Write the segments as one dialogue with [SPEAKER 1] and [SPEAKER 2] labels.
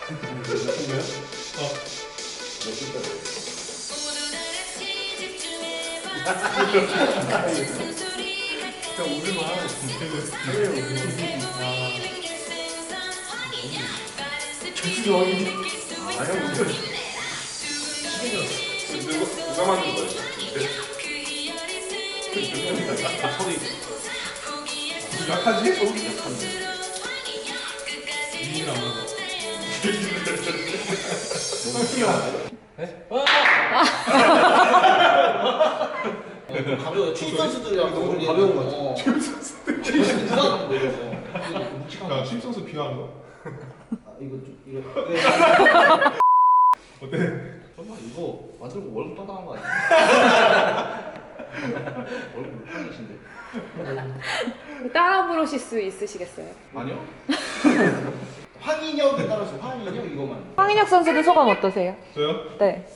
[SPEAKER 1] 그냥 오늘만
[SPEAKER 2] 누가 만든 거예요? 소리
[SPEAKER 1] 약하지? 약한데 이인을 안 맞아
[SPEAKER 3] 가벼워. 축구 선수들이랑 너무 가벼운 거 같아. 축구 선수들. 누가 내려서.
[SPEAKER 1] 야, 심성수 비하한 거?
[SPEAKER 3] 아 이거 좀 이거.
[SPEAKER 1] 어때?
[SPEAKER 3] 설마 이거 만들고 월급 떠나간 거 아니야? 월급 못하신데.
[SPEAKER 4] 따라 부르실 수 있으시겠어요?
[SPEAKER 3] 아니요? 황인혁에 따라서 황인혁 이거만.
[SPEAKER 4] 황인혁 선수는 소감 어떠세요?
[SPEAKER 1] 저요?
[SPEAKER 4] 네.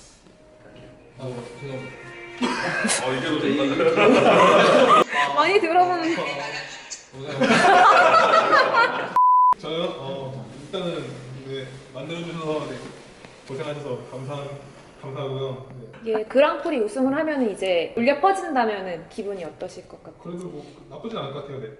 [SPEAKER 3] 제가
[SPEAKER 2] 이게 더
[SPEAKER 4] 많이 들어보는.
[SPEAKER 1] 저요? 일단은 네, 만들어주셔서 네, 고생하셔서 감사하고요. 네.
[SPEAKER 4] 예, 그랑프리 우승을 하면 이제 울려 퍼진다면 기분이 어떠실 것 같아요?
[SPEAKER 1] 그래도 뭐 나쁘진 않을 것 같아요. 네.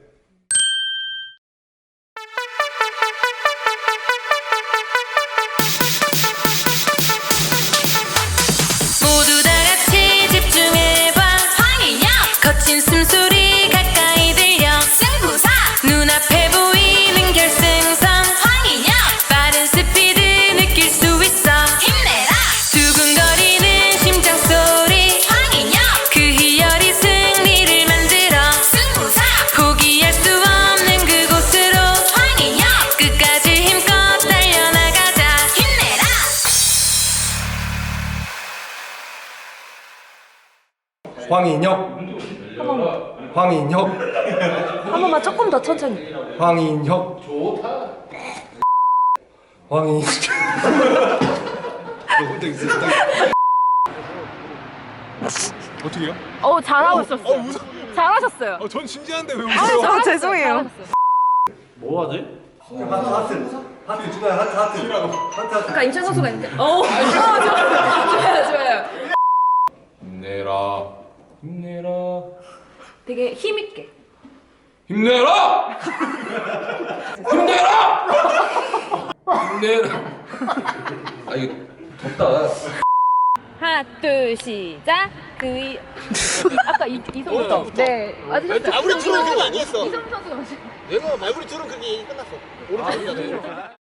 [SPEAKER 5] 모두 다 같이 집중해봐. 황인혁 거친 숨소리 가까이 들려. 승부사 눈앞에 보이는 결승선. 황인혁 빠른 스피드 느낄 수 있어. 힘내라 두근거리는 심장소리. 황인혁 그 희열이 승리를 만들어. 승부사 포기할 수 없는 그곳으로. 황인혁 끝까지 힘껏 달려나가자. 힘내라.
[SPEAKER 6] 황인혁, 황인혁,
[SPEAKER 4] 한 번만 조금 더 천천히.
[SPEAKER 6] 황인혁, 황인혁.
[SPEAKER 1] 어떻게 해요?
[SPEAKER 4] 잘하고 있었어요. 잘하셨어요.
[SPEAKER 1] 전 진지한데 왜 웃어요?
[SPEAKER 4] 죄송해요.
[SPEAKER 3] 뭐 하지?
[SPEAKER 6] 하트 주가요, 하트.
[SPEAKER 4] 아까 임찬 선수가 있는데. 좋아요.
[SPEAKER 2] 힘내라 힘내라
[SPEAKER 4] 되게 힘 있게.
[SPEAKER 2] 힘내라 힘내라 힘내라 아 이거 덥다
[SPEAKER 4] 하나, 둘, 시작. 아까 이성부터. 네, 맞으셨어요.
[SPEAKER 3] 아무리 들어도 그게 아니었어.
[SPEAKER 4] 이성 선수가 맞으셨어요.
[SPEAKER 3] 내가 말부리 들은 그게 끝났어. 오른쪽이야.